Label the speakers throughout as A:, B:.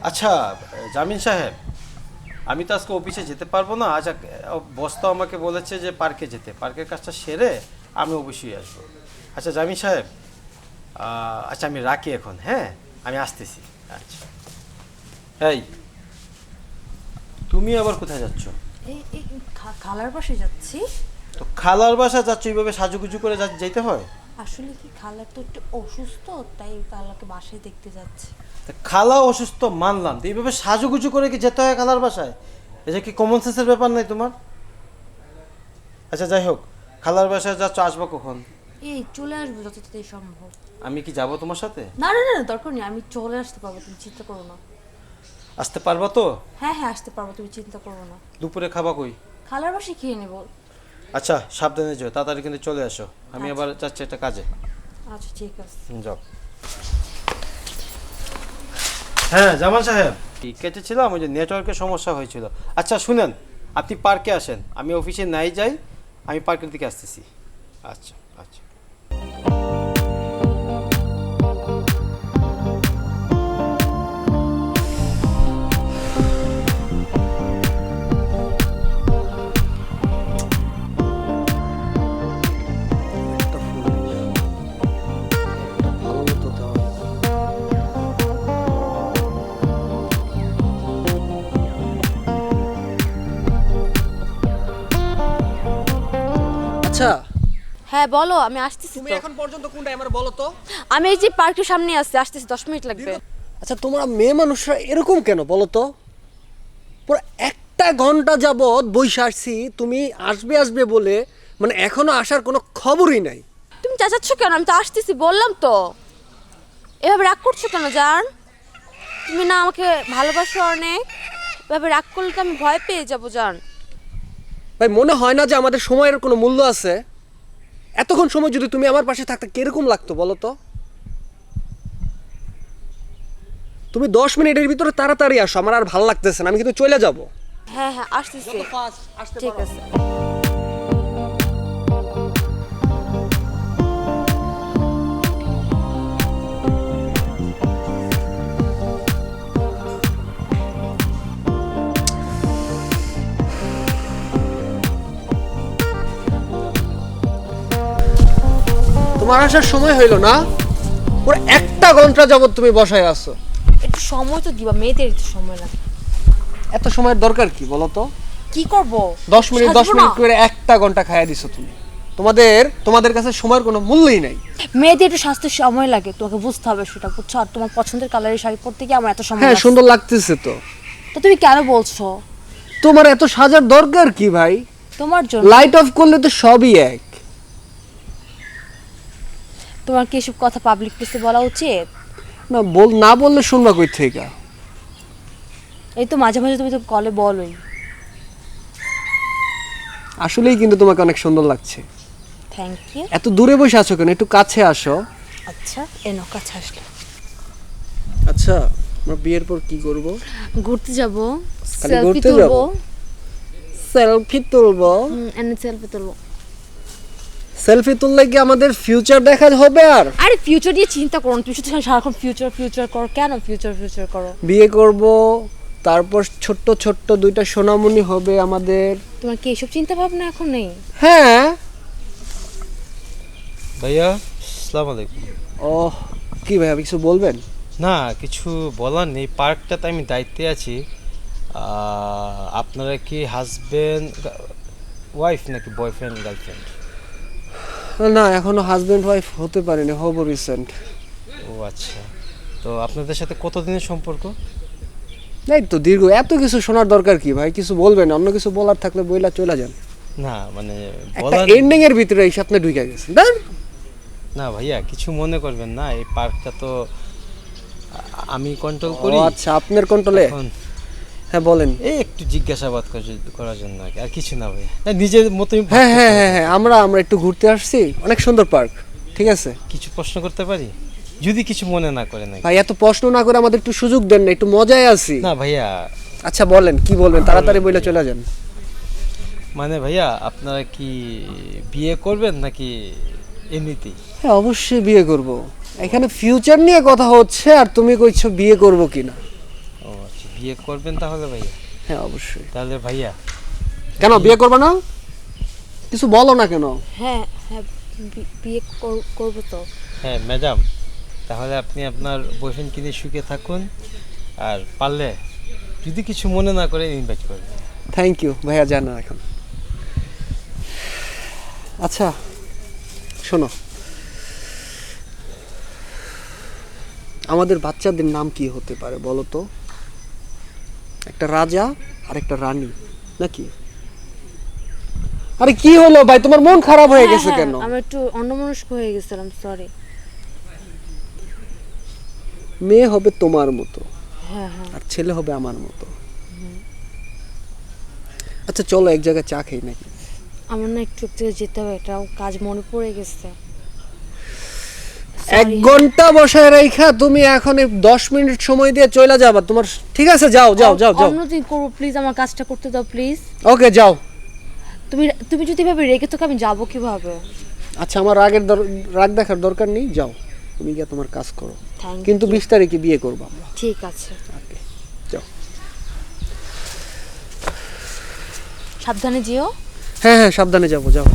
A: আচ্ছা জামিন সাহেব, আমি তো আজকে অফিসে যেতে পারবো না। আচ্ছা, বস তো আমাকে বলেছে যে পার্কে যেতে, পার্কের কাজটা সেরে আমি অবশ্যই আসবো। আচ্ছা জামিন সাহেব, আচ্ছা আমি রাখি এখন, হ্যাঁ আমি আসতেছি। আচ্ছা, এই তুমি আবার কোথায় যাচ্ছ?
B: এই এই খালার পাশে যাচ্ছি।
A: তো খালার বাসা যাচ্ছ, এইভাবে সাজুগুজু করে যেতে হয়?
B: আসলে কি খালার তো একটু অসুস্থ, তাই খালাকে বাসায় দেখতে যাচ্ছি।
A: তা খালা অসুস্থ মানলাম, তো এইভাবে সাজুগুজু করে কি যেতে হয় খালার বাসায়? এটা কি কমন সেন্সের ব্যাপার নাই তোমার? আচ্ছা যাই হোক, খালার বাসায় যাচ্ছ, আসবো কখন?
B: এই চলে আসবো যত তাড়াতাড়ি সম্ভব।
A: আমি কি যাব তোমার সাথে?
B: না না না না, দরকার নেই, আমি চলে আসতে পারবো, তুমি চিন্তা করো না।
A: আসতে পারবা তো?
B: হ্যাঁ হ্যাঁ আসতে পারবো, তুমি চিন্তা করো না।
A: দুপুরে খাবা কই?
B: খালার বাসায় খেয়ে নেবো।
A: আচ্ছা সাবধানে যাও, তাড়াতাড়ি কিন্তু চলে আসো, আমি আবার যাচ্ছি একটা কাজে।
B: আচ্ছা ঠিক আছে।
A: যাও। হ্যাঁ জামাল সাহেব, কেটেছিলাম, ওই যে নেটওয়ার্কের সমস্যা হয়েছিল। আচ্ছা শুনেন, আপনি পার্কে আসেন, আমি অফিসে নাই যাই, আমি পার্কের দিকে আসতেছি। আচ্ছা আচ্ছা।
C: আচ্ছা
B: হ্যাঁ বলো, আমি আসতেছি
C: তুমি
B: তো।
C: এখন পর্যন্ত কোনটা আমার বলো তো?
B: আমি এই যে পার্কের সামনে আসতেছি, 10 মিনিট লাগবে।
C: আচ্ছা তোমরা মেয়ে মানুষরা এরকম কেন বলো তো? পুরো একটা ঘন্টা যাবত বইসা আসছি, তুমি আসবে আসবে বলে, মানে এখনো আসার কোনো খবরই নাই।
B: তুমি চাচাচ্ছ কেন? আমি তো আসতেছি বললাম তো। এভাবে রাগ করছো কেন জান? তুমি না আমাকে ভালোবাসো অনেক, এভাবে রাগ করলে তো আমি ভয় পেয়ে যাবো জান।
C: ভাই মনে হয় না যে আমাদের সময়ের কোনো মূল্য আছে? এতক্ষণ সময় যদি তুমি আমার পাশে থাকতে কিরকম লাগতো বলো তো? তুমি 10 মিনিটের ভিতরে তাড়াতাড়ি আসো, আমার আর ভালো লাগতেছে না, আমি কিন্তু চলে যাবো।
B: হ্যাঁ হ্যাঁ আসতেছি, ঠিক আছে।
C: তোমার আসার সময় হইলো না? পুরো একটা ঘন্টা যাবত তুমি বসায় আছো।
B: একটু সময় তো দিবা, মেয়েদের একটু সময় লাগে।
C: এত সময়ের দরকার কি বলো তো?
B: কি করব?
C: 10 মিনিট
B: সাজবো না?
C: করে একটা ঘন্টা খাইয়া দিছো তুমি। তোমাদের কাছে সময়ের কোনো মূল্যই নাই।
B: মেয়েদের একটু স্বাস্থ্যের সময় লাগে, তোমাকে বুঝতে হবে সেটা, বুঝছো? আর তোমার পছন্দের কালারের শাড়ি পরতে গিয়ে আমার এত সময়
C: হ্যাঁ
B: লাগছে।
C: সুন্দর লাগতেছে তো।
B: তো তুমি কেন বলছো?
C: তোমার এত সাজার দরকার কি ভাই?
B: তোমার জন্য।
C: লাইট অফ করলে তো সবই এক।
B: তোমার কি এসব কথা পাবলিক প্লেসে বলা উচিত?
C: না বললে শুনবা কই থেকে?
B: এই তো মাঝে মাঝে তুমি তো কলে বলোই।
C: আসলেই কিন্তু তোমাকে অনেক সুন্দর লাগছে।
B: Thank you.
C: এত দূরে বসে আছো কেন? একটু কাছে আসো।
B: আচ্ছা এনো কাছে আসলে।
C: আচ্ছা আমরা বিয়ের পর কি করব?
B: ঘুরতে যাব,
C: খালি
B: সেলফি
C: ঘুরতে
B: তুলবো।
C: যাবো? সেলফি তুলবো?
B: এনে সেলফি তুলবো।
C: সেলফি তুললে কি আমাদের ফিউচার দেখা হবে? আর
B: আরে ফিউচার নিয়ে চিন্তা করো না, তুমি শুধু সারাক্ষণ ফিউচার ফিউচার করো। কেন ফিউচার ফিউচার করো?
C: বিয়ে করব, তারপর ছোট্ট ছোট্ট দুইটা সোনামণি হবে আমাদের।
B: তোমার কি এসব চিন্তা ভাবনা এখন নেই?
C: হ্যাঁ।
A: ভাইয়া আসসালামু আলাইকুম।
C: ও কি ভাই, আপনি কিছু বলবেন?
A: না কিছু বলার নেই, পার্কটাতে আমি দায়িত্বে আছি। আপনারা কি হাজবেন্ড ওয়াইফ নাকি বয়ফ্রেন্ড গার্লফ্রেন্ড?
C: না এখনো হাজবেন্ড ওয়াইফ হতে পারেনি, হবো রিসেন্ট।
A: ও আচ্ছা, তো আপনাদের সাথে কতদিনের সম্পর্ক?
C: এই তো দীর্ঘ। এত কিছু শোনার দরকার কি ভাই? কিছু বলবেন? অন্য কিছু বলার থাকলে বইলা চলে যান।
A: না মানে
C: একটা
A: বলার
C: এন্ডিং এর ভিতরে এই স্বপ্নে ঢুকে গেছেন।
A: না ভাইয়া, কিছু মনে করবেন না, এই পার্কটা তো আমি কন্ট্রোল করি।
C: আচ্ছা আপনার কন্ট্রোলে?
A: এখন
C: হ্যাঁ বলেন।
A: এই একটু জিজ্ঞাসাবাদ করার জন্য আর কি, আর কিছু না ভাইয়া, নিজের মতোই।
C: হ্যাঁ হ্যাঁ হ্যাঁ হ্যাঁ, আমরা একটু ঘুরতে আসছি, অনেক সুন্দর পার্ক। ঠিক আছে
A: কিছু প্রশ্ন করতে পারি যদি কিছু মনে না করেন?
C: ভাই, এত প্রশ্ন না করে আমাদের একটু সুযোগ দেন না, একটু মজায় আছি।
A: না ভাইয়া।
C: আচ্ছা বলেন, কি বলবেন? তাড়াতাড়ি বইলা চলে যান।
A: মানে ভাইয়া, আপনারা কি বিয়ে করবেন নাকি এমনিতেই?
C: হ্যাঁ অবশ্যই বিয়ে করব। এখানে ফিউচার নিয়ে কথা হচ্ছে আর তুমি কইছো বিয়ে করব কিনা।
A: ও বিয়ে করবেন তাহলে ভাইয়া?
C: হ্যাঁ অবশ্যই।
A: তাহলে ভাইয়া
C: কেন বিয়ে করবে না? কিছু বলো না কেন?
B: হ্যাঁ হ্যাঁ বিয়ে করবো তো।
A: হ্যাঁ ম্যাডাম, তাহলে আপনি আপনার বয়ফ্রেন্ডকে নিয়ে সুখে থাকুন, আর পারলে যদি কিছু মনে না করে ইনভাইট করবেন।
C: থ্যাংক ইউ ভাইয়া, জানা এখন। আচ্ছা শোনো, আমাদের বাচ্চাদের নাম কি হতে পারে বলো তো? একটা রাজা আর একটা রানী, নাকি? আরে কি হলো ভাই, তোমার মন খারাপ হয়ে গেছে কেন?
B: আমি একটু অন্যমনস্ক হয়ে গেছিলাম, সরি।
C: মেয়ে হবে তোমার মতো,
B: হ্যাঁ হ্যাঁ
C: আর ছেলে হবে আমার মতো। আচ্ছা চলো এক জায়গায় চা খাই নাকি?
B: আমার না একটু একটু যেতে হবে, একটা কাজ মনে পড়ে গেছে।
C: 1 ঘন্টা বসায় রাইখা তুমি এখন 10 মিনিট সময় দিয়ে চলে যাবা তোমার? ঠিক আছে যাও যাও যাও যাও।
B: অন্যদিন করবো প্লিজ, আমার কাজটা করতে দাও প্লিজ।
C: ওকে যাও।
B: তুমি যদি এভাবে রেখে তোকে আমি যাবো কিভাবে?
C: আচ্ছা আমার রাগ দেখার দরকার নেই, যাও তুমি গিয়ে তোমার কাজ করো।
B: Thank
C: কিন্তু
B: you.
C: 20 তারিখে বিয়ে করবো আমরা।
B: ঠিক আছে,
C: ওকে যাও।
B: সাবধানে যেও।
C: হ্যাঁ হ্যাঁ সাবধানে যাবো, যাও।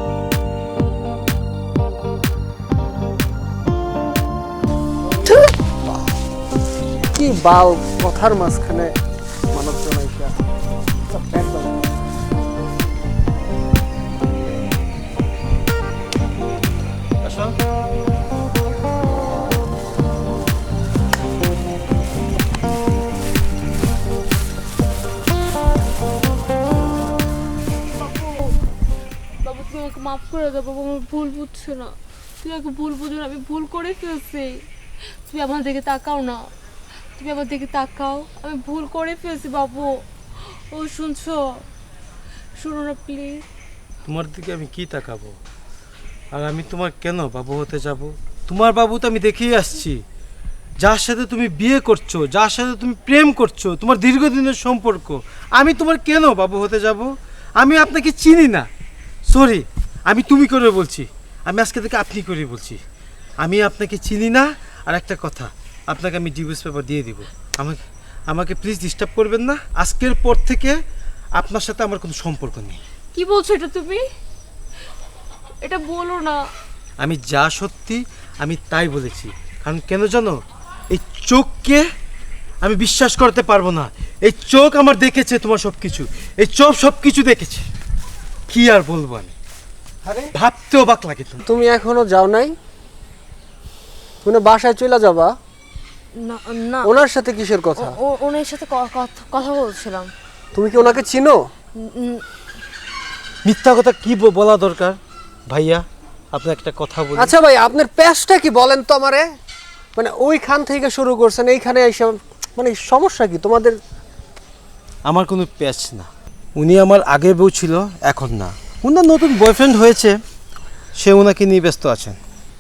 C: কি বাল কথার মাঝখানে মানব জনাইকা।
A: আসো।
B: বাবু তুমি আমাকে মাফ করে দাও বাবু, আমার ভুল বুঝছো না, তুমি আমাকে ভুল বুঝো না, আমি ভুল করে ফেলছি। তুমি আমার দিকে তাকাও না, তুমি আমার দিকে তাকাও, আমি ভুল করে ফেলছি বাবু। ও শুনছো? শুনো না প্লিজ।
A: তোমার দিকে আমি কি তাকাবো? আর আমি তোমার কেন বাবু হতে যাব? তোমার বাবু তো আমি দেখেই আসছি, যার সাথে তুমি বিয়ে করছো, যার সাথে তুমি প্রেম করছো, তোমার দীর্ঘদিনের সম্পর্ক, আমি তোমার কেন বাবু হতে যাব? আমি আপনাকে চিনি না, সরি, আমি তুমি করে বলছি, আমি আজকে থেকে আপনি করে বলছি, আমি আপনাকে চিনি না। আর একটা কথা, আপনাকে আমি ডিভোর্স পেপার দিয়ে দিব, আমাকে আমাকে প্লিজ ডিস্টার্ব করবেন না। আজকের পর থেকে আপনার সাথে আমার কোনো সম্পর্ক নেই।
B: কি বলছো এটা তুমি? এটা বলো না।
A: আমি যা সত্যি আমি তাই বলেছি, কারণ কেন জানো, এই চোখকে আমি বিশ্বাস করতে পারবো না। এই চোখ আমার দেখেছে তোমার সব কিছু, এই চোখ সব কিছু দেখেছে, কি আর বলবো আমি,
C: আরে
A: ভাবতেও অবাক লাগে। তো
C: তুমি এখনো যাও নাই? তুমি না বাসায় চলে যাবা?
B: না না,
C: ওনার সাথে কিসের কথা?
B: ওনার সাথে কথা বলছিলাম।
C: তুমি কি ওনাকে চিনো?
A: মিথ্যা কথা কি বলা দরকার ভাইয়া, আপনি একটা কথা বলুন।
C: আচ্ছা ভাই আপনার পেশটা কি বলেন তো আমারে? মানে ওইখান থেকে শুরু করছেন এইখানে এসে, মানে সমস্যা কি তোমাদের?
A: আমার কোনো প্যাচ না, উনি আমার আগে বউ ছিল, এখন না, উনার নতুন বয়ফ্রেন্ড হয়েছে, সে ওনাকে নিয়ে ব্যস্ত আছেন।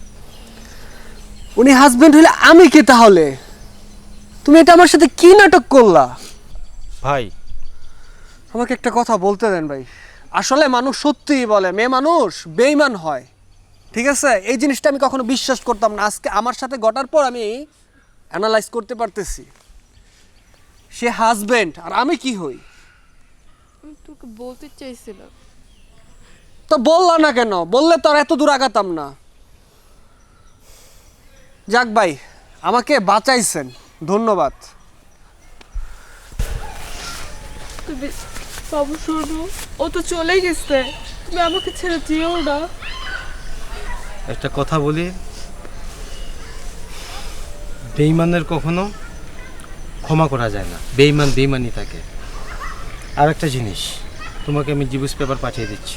C: উনি হাজবেন্ড হলে আমি কি তাহলে? তুমি এটা আমার সাথে কি নাটক করলা?
A: ভাই
C: আমাকে একটা কথা বলতে দেন ভাই। আসলে মানুষ সত্যিই বলে মেয়ে মানুষ বেঈমান হয়, ঠিক আছে? এই জিনিসটা আমি কখনো বিশ্বাস করতাম না, আজকে আমার সাথে ঘটার পর আমি অ্যানালাইজ করতে পারতেছি। সে হাজবেন্ড আর আমি কি হই?
B: আমি তোকে বলতে চাইছিলাম।
C: তো বললা না কেন? বললে তো আর এত দূর আগাতাম না। যাক ভাই, আমাকে বাঁচাইছেন, ধন্যবাদ।
B: তুমি বাবু শোনো, ও তো চলে গেছে, তুমি আমাকে ছেড়ে যেও না।
A: একটা কথা বলি, বেঈমানের কখনো ক্ষমা করা যায় না, বেঈমান বেঈমানই থাকে। আর একটা জিনিস, তোমাকে আমি ডিভোর্স পেপার পাঠিয়ে দিচ্ছি।